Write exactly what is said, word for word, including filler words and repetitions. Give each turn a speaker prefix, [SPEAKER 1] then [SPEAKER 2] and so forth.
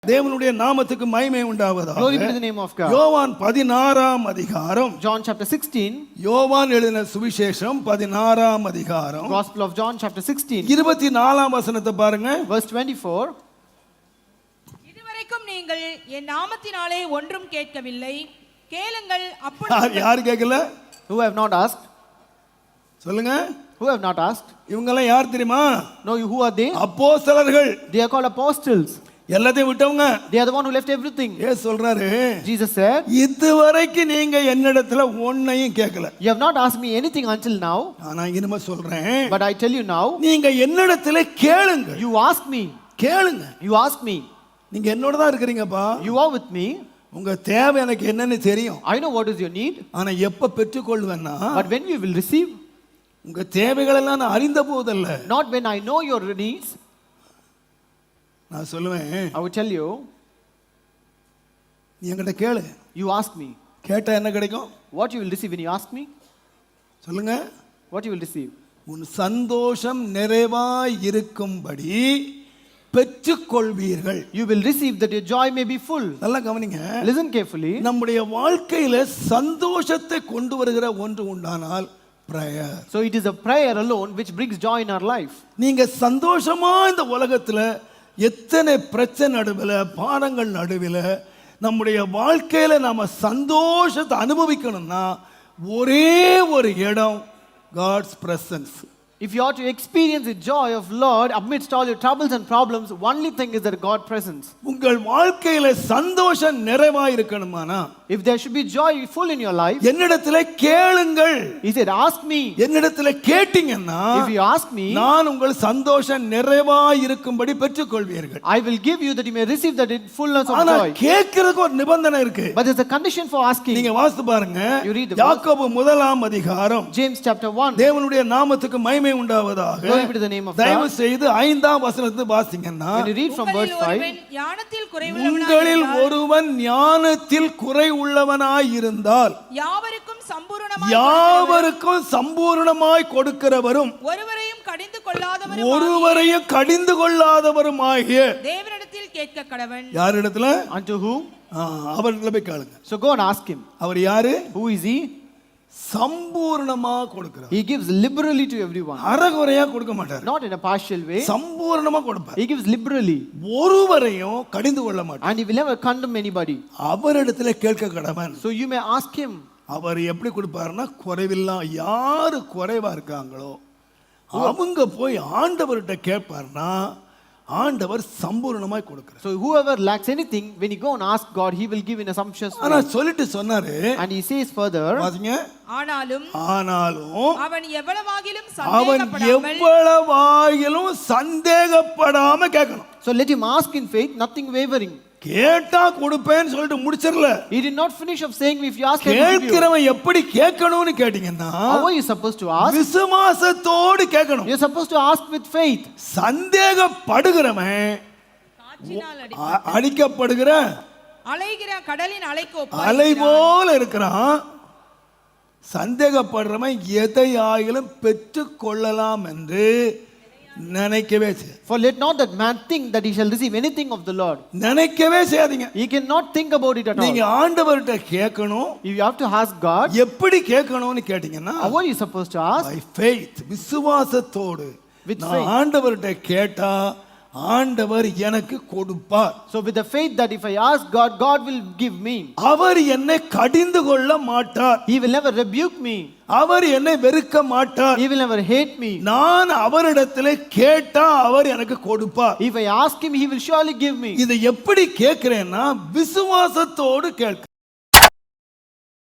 [SPEAKER 1] தேவனுடைய நாமத்துக்கு மகிமை உண்டாவதாக.
[SPEAKER 2] Glory be to the name of God.
[SPEAKER 1] யோவான் பதினாறாம் அதிகாரம்.
[SPEAKER 2] John chapter sixteen.
[SPEAKER 1] யோவான் எழுதின சுவிசேஷம் பதினாறாம் அதிகாரம்.
[SPEAKER 2] Gospel of John chapter sixteen.
[SPEAKER 1] இருபத்தி நாலாம் வசனத்தை பாருங்க.
[SPEAKER 2] Verse twenty-four.
[SPEAKER 3] இதுவரைக்கும் நீங்கள் என் நாமத்தினாலே ஒன்றும் கேட்கவில்லை, கேளுங்கள் அப்பொழுது.
[SPEAKER 1] யார் கேட்கல?
[SPEAKER 2] Who have not asked?
[SPEAKER 1] சொல்லுங்க.
[SPEAKER 2] Who have not asked?
[SPEAKER 1] இவங்க எல்லாம் யார் தெரியுமா?
[SPEAKER 2] No, who are they?
[SPEAKER 1] அப்போஸ்தலர்கள்.
[SPEAKER 2] They are called apostles.
[SPEAKER 1] எல்லாத்தையும் விட்டவங்க.
[SPEAKER 2] They are the one who left everything.
[SPEAKER 1] ஏ சொல்றாரு.
[SPEAKER 2] Jesus said,
[SPEAKER 1] இதுவரைக்கும் நீங்க என்னிடத்துல ஒண்ணையும் கேட்கல.
[SPEAKER 2] You have not asked me anything until now.
[SPEAKER 1] நான் இனிமே சொல்றேன்.
[SPEAKER 2] But I tell you now.
[SPEAKER 1] நீங்க என்னிடத்துல கேளுங்க.
[SPEAKER 2] You ask me.
[SPEAKER 1] கேளுங்க.
[SPEAKER 2] You ask me.
[SPEAKER 1] நீங்க என்னோட தான் இருக்கீங்கப்பா.
[SPEAKER 2] You are with me.
[SPEAKER 1] உங்க தேவை எனக்கு என்னன்னு தெரியும்.
[SPEAKER 2] I know what is your need.
[SPEAKER 1] ஆனா எப்ப பெற்றுக்கொள்வேன்னா,
[SPEAKER 2] But when you will receive.
[SPEAKER 1] உங்க தேவைகள் எல்லாம் நான் அறிந்த போதல்ல.
[SPEAKER 2] Not when I know your needs.
[SPEAKER 1] நான் சொல்லுவேன்.
[SPEAKER 2] I will tell you.
[SPEAKER 1] நீ என்கிட்ட கேளு.
[SPEAKER 2] You ask me.
[SPEAKER 1] கேட்டா என்ன கிடைக்கும்?
[SPEAKER 2] What you will receive when you ask me?
[SPEAKER 1] சொல்லுங்க.
[SPEAKER 2] What you will receive?
[SPEAKER 1] உன் சந்தோஷம் நிறைவாய் இருக்கும்படி பெற்றுக்கொள்வீர்கள்.
[SPEAKER 2] You will receive that your joy may be full.
[SPEAKER 1] நல்லா கவனிங்க.
[SPEAKER 2] Listen carefully.
[SPEAKER 1] நம்முடைய வாழ்க்கையில சந்தோஷத்தை கொண்டு வருகிற ஒன்று உண்டானால் prayer.
[SPEAKER 2] So it is a prayer alone which brings joy in our life.
[SPEAKER 1] நீங்க சந்தோஷமா இந்த உலகத்துல எத்தனை பிரச்சனை நடுவில் பாடங்கள் நடுவில் நம்முடைய வாழ்க்கையில நாம சந்தோஷத்தை அனுபவிக்கணும்னா ஒரே ஒரு இடம் God's presence.
[SPEAKER 2] If you are to experience the joy of Lord amidst all your troubles and problems, only thing is that God presence.
[SPEAKER 1] உங்கள் வாழ்க்கையில சந்தோஷம் நிறைவாய் இருக்கணுமானா,
[SPEAKER 2] if there should be joy full in your life,
[SPEAKER 1] என்னிடத்திலே கேளுங்கள்.
[SPEAKER 2] He said, ask me.
[SPEAKER 1] என்னிடத்திலே கேட்டீங்கன்னா,
[SPEAKER 2] if you ask me,
[SPEAKER 1] நான் உங்கள் சந்தோஷம் நிறைவாய் இருக்கும்படி பெற்றுக்கொள்வீர்கள்.
[SPEAKER 2] I will give you that you may receive that in fullness of
[SPEAKER 1] ஆனா
[SPEAKER 2] joy.
[SPEAKER 1] கேட்கிறதுக்கு ஒரு நிபந்தனை இருக்கு.
[SPEAKER 2] But there's a condition for asking.
[SPEAKER 1] நீங்க வாசித்து பாருங்க.
[SPEAKER 2] You read the
[SPEAKER 1] யாக்கோபு முதலாம் அதிகாரம்.
[SPEAKER 2] James chapter one.
[SPEAKER 1] தேவனுடைய நாமத்துக்கு மகிமை உண்டாவதாக.
[SPEAKER 2] Glory be to the name of God.
[SPEAKER 1] தயவு செய்து ஐந்தாம் வசனத்தை வாசிங்கன்னா,
[SPEAKER 2] when you read from verse five,
[SPEAKER 3] ஞானத்தில்
[SPEAKER 1] உங்களில் ஒருவன் ஞானத்தில் குறை உள்ளவனாய் இருந்தால்
[SPEAKER 3] யாவருக்கும் சம்பூரணமாய்
[SPEAKER 1] யாவருக்கும் சம்பூரணமாய் கொடுக்கிறவரும்
[SPEAKER 3] ஒருவரையும் கடிந்து கொள்ளாதவரும்
[SPEAKER 1] ஒருவரையும் கடிந்து கொள்ளாதவரும் ஆகிய
[SPEAKER 3] தேவனிடத்தில் கேட்க கடவன்.
[SPEAKER 1] யாரிடத்துல?
[SPEAKER 2] unto whom?
[SPEAKER 1] அவரிடத்துல போய் கேளுங்க.
[SPEAKER 2] So go and ask him.
[SPEAKER 1] அவர் யாரு?
[SPEAKER 2] Who is he?
[SPEAKER 1] சம்பூர்ணமா கொடுக்கிறார்.
[SPEAKER 2] He gives liberally to everyone.
[SPEAKER 1] அறகுறையா கொடுக்க மாட்டார்.
[SPEAKER 2] Not in a partial way.
[SPEAKER 1] சம்பூர்ணமா கொடுப்பார்.
[SPEAKER 2] He gives liberally.
[SPEAKER 1] ஒருவரையும் கடிந்து கொள்ள மாட்டார்.
[SPEAKER 2] And he will never condemn anybody.
[SPEAKER 1] அவரிடத்துல கேட்க கடவன்.
[SPEAKER 2] So you may ask him.
[SPEAKER 1] அவர் எப்படி கொடுப்பாருன்னா, குறைவில்லா யாரு குறைவா இருக்காங்களோ அவங்க போய் ஆண்டவர்கிட்ட கேட்பார்னா ஆண்டவர் சம்பூர்ணமாய் கொடுக்கிறார்.
[SPEAKER 2] So whoever lacks anything, when you go and ask God, he will give in a sumptuous way.
[SPEAKER 1] ஆனா சொல்லிட்டு சொன்னாரு.
[SPEAKER 2] And he says further,
[SPEAKER 1] பாத்தீங்க,
[SPEAKER 3] ஆனாலும்
[SPEAKER 1] ஆனாலும்
[SPEAKER 3] அவன் எவ்வளவாகிலும்
[SPEAKER 1] அவன்
[SPEAKER 3] சந்தேகப்படாமல்
[SPEAKER 1] எவ்வளவாகிலும் சந்தேகப்படாம கேட்கணும்.
[SPEAKER 2] so let him ask in faith, nothing wavering.
[SPEAKER 1] கேட்டா கொடுப்பேன்னு சொல்லிட்டு முடிச்சிரல.
[SPEAKER 2] He did not finish of saying, if you ask him,
[SPEAKER 1] கேட்கிறவன் எப்படி கேட்கணும்னு கேட்டிங்கன்னா,
[SPEAKER 2] how are you supposed to ask?
[SPEAKER 1] விசுவாசத்தோடு கேட்கணும்.
[SPEAKER 2] You are supposed to ask with faith.
[SPEAKER 1] சந்தேகப்படுகிறவன் அடிக்கப்படுகிற
[SPEAKER 3] அலைகிற கடலின் அலைக்கு
[SPEAKER 1] அலை போல இருக்கிறான். சந்தேகப்படுறவன் எதை ஆகிலும் பெற்றுக் கொள்ளலாம் என்று நினைக்கவே செய்ய.
[SPEAKER 2] For let not that man think that he shall receive anything of the Lord.
[SPEAKER 1] நினைக்கவே செய்யாதீங்க.
[SPEAKER 2] He cannot think about it at all.
[SPEAKER 1] நீங்க ஆண்டவர்கிட்ட கேட்கணும்.
[SPEAKER 2] You have to ask God.
[SPEAKER 1] எப்படி கேட்கணும்னு கேட்டீங்கன்னா,
[SPEAKER 2] how are you supposed to ask?
[SPEAKER 1] by faith, விசுவாசத்தோடு.
[SPEAKER 2] With
[SPEAKER 1] நான்
[SPEAKER 2] faith.
[SPEAKER 1] ஆண்டவர்கிட்ட கேட்டா ஆண்டவர் எனக்கு கொடுப்பார்.
[SPEAKER 2] So with the faith that if I ask God, God will give me.
[SPEAKER 1] அவர் என்னை கடிந்து கொள்ள மாட்டார்.
[SPEAKER 2] He will never rebuke me.
[SPEAKER 1] அவர் என்னை வெறுக்க மாட்டார்.
[SPEAKER 2] He will never hate me.
[SPEAKER 1] நான் அவரிடத்திலே கேட்டா அவர் எனக்கு கொடுப்பார்.
[SPEAKER 2] If I ask him, he will surely give me.
[SPEAKER 1] இதை எப்படி கேட்கிறேன்னா, விசுவாசத்தோடு கேட்க.